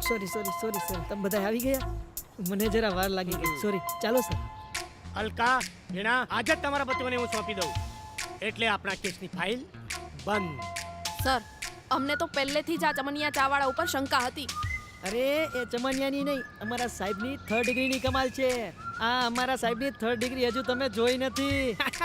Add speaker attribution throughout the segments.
Speaker 1: Sorry તમે બધા આવી ગયા? મને જરા વાર લાગી ગઈ, સોરી. ચાલો સર.
Speaker 2: અલકા, વીણા, આજે જ તમારા પતિઓને હું સોંપી દઉં એટલે આપણા કેસની ફાઇલ બંધ.
Speaker 3: સર, અમને તો પહેલેથી જ આ ચમનિયા ચાવાળા ઉપર શંકા હતી.
Speaker 1: અરે એ ચમનિયાની નહીં, અમારા સાહેબની 3rd ડિગ્રીની કમાલ છે. આ અમારા સાહેબની 3rd ડિગ્રી હજુ તમે જોઈ નથી.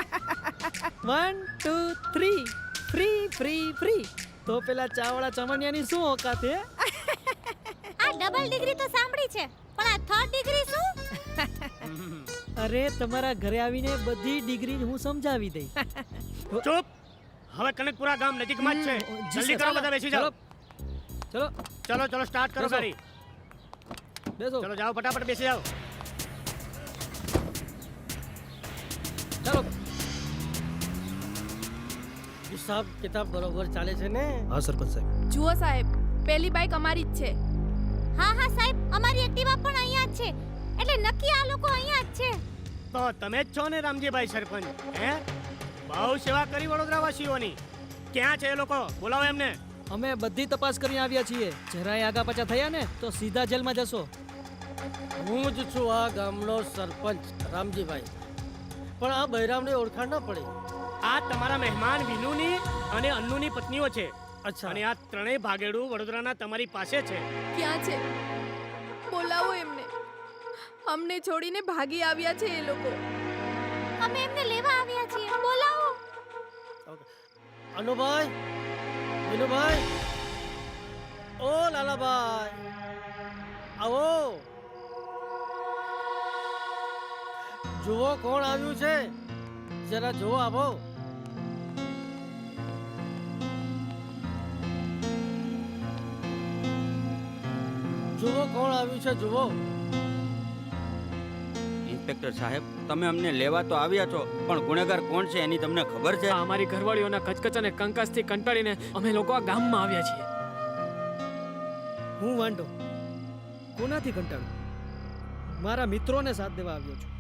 Speaker 1: 1 2 3 ફ્રી ફ્રી ફ્રી. તો પેલા ચાવાળા ચમનિયાની શું ઓકાત છે?
Speaker 4: આ ડબલ ડિગ્રી તો સાંભળી છે, પણ આ 3rd ડિગ્રી શું?
Speaker 1: અરે તમારા ઘરે આવીને બધી ડિગ્રી હું સમજાવી દઈ.
Speaker 2: ચૂપ. હવે કનકપુરા ગામ નજીકમાં જ છે. જલ્દી કરો, બધા બેસી જાઓ.
Speaker 1: ચલો
Speaker 2: ચલો સ્ટાર્ટ કરો ગાડી.
Speaker 1: બેસો.
Speaker 2: ચલો જાઓ, ફટાફટ બેસી જાઓ.
Speaker 1: ચાલો.
Speaker 5: હિસાબ કિતાબ બરોબર ચાલે છે ને?
Speaker 1: હા સરપંચ સાહેબ.
Speaker 3: જુઓ સાહેબ, પેલી બાઈક અમારી જ છે.
Speaker 4: હા સાહેબ, અમારી એક્ટિવા પણ અહીંયા જ છે, એટલે નક્કી આ લોકો અહીંયા જ છે.
Speaker 2: તો તમે જ છો ને રામજીભાઈ સરપંચ? હે, બહુ સેવા કરી વડોદરાવાસીઓની. ક્યાં છે એ લોકો? બોલાવો એમને.
Speaker 1: અમે બધી તપાસ કરીને આવ્યા છીએ. જરાય આગા પાછા થયા ને તો સીધા જેલમાં જશો.
Speaker 5: હું જ છું આ ગામનો સરપંચ રામજીભાઈ, પણ આ બૈરામની ઓળખાણ ન પડી.
Speaker 2: આ તમારા મહેમાન વિનુની અને અન્નુની પત્નીઓ છે.
Speaker 5: અચ્છા.
Speaker 2: અને આ ત્રણેય ભાગેડું વડોદરાના તમારી પાસે છે.
Speaker 3: ક્યાં છે? બોલાવો એમને. અમને છોડીને ભાગી આવ્યા છે એ લોકો.
Speaker 4: અમે એમને લેવા આવ્યા છીએ, બોલાવો.
Speaker 5: અનુભાઈ, વિનુભાઈ, ઓ લાલાભાઈ, આવો. જુઓ કોણ આવ્યું છે, જરા જુઓ. આવો. જુઓ કોણ આવ્યું છે, જુઓ.
Speaker 6: ઇન્સ્પેક્ટર સાહેબ, તમે અમને લેવા તો આવ્યા છો, પણ ગુનેગાર કોણ છે એની તમને ખબર છે?
Speaker 7: અમારી ઘરવાળીઓના કચકચ અને કંકાસથી કંટાળીને અમે લોકો આ ગામમાં આવ્યા છીએ.
Speaker 1: હું વાંઢો કોનાથી કંટાળું? મારા મિત્રોને સાથ દેવા આવ્યો છું.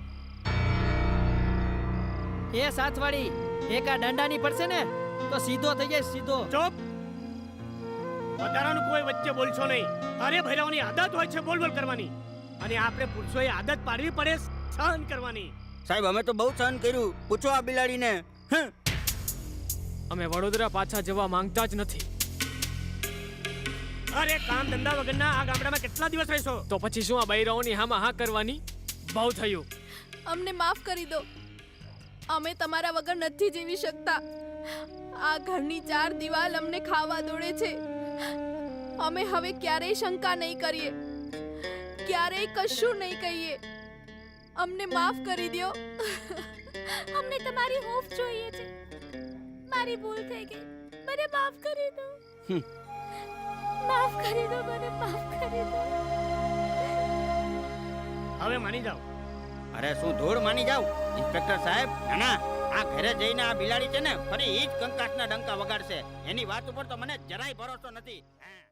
Speaker 1: એ સાથવાળી એક આ દાંડાની પડશે ને તો સીધો થઈ જાય, સીધો.
Speaker 2: ચૂપ. વધારાનું કોઈ વચ્ચે બોલશો નહીં. અરે ભૈરવની આદત હોય છે બોલ કરવાની, અને આપણે પુરુષોએ આદત પાડવી પડે સહન કરવાની.
Speaker 6: સાહેબ, અમે તો બહુ સહન કર્યું. પૂછો આ બિલાડીને.
Speaker 7: અમે વડોદરા પાછા જવા માંગતા જ નથી.
Speaker 2: અરે કામ ધંધા વગરના આ ગામડામાં કેટલા દિવસ રહેશો?
Speaker 7: તો પછી શું આ બૈરાઓની હામાં હા કરવાની? બહુ થયું.
Speaker 3: અમને માફ કરી દો. અમે તમારા વગર નથી જીવી શકતા. આ ઘરની 4 દિવાલ અમને ખાવા દોડે છે. અમે હવે ક્યારેય શંકા નહીં કરીએ, ક્યારેય કશું નહીં કહીએ. અમને માફ કરી દો.
Speaker 4: અમને તમારી હૂંફ જોઈએ છે. મારી ભૂલ થઈ ગઈ, મને માફ કરી દો. માફ કરી દો, મને માફ કરી દો.
Speaker 2: હવે માની જાઓ.
Speaker 6: અરે શું ધૂળ માની જાવ ઇન્સ્પેક્ટર સાહેબ? ના, આ ઘરે જઈને આ બિલાડી છે ને ફરી ઈ જ કંકાસના ડંકા વગાડશે. એની વાત ઉપર તો મને જરાય ભરોસો નથી.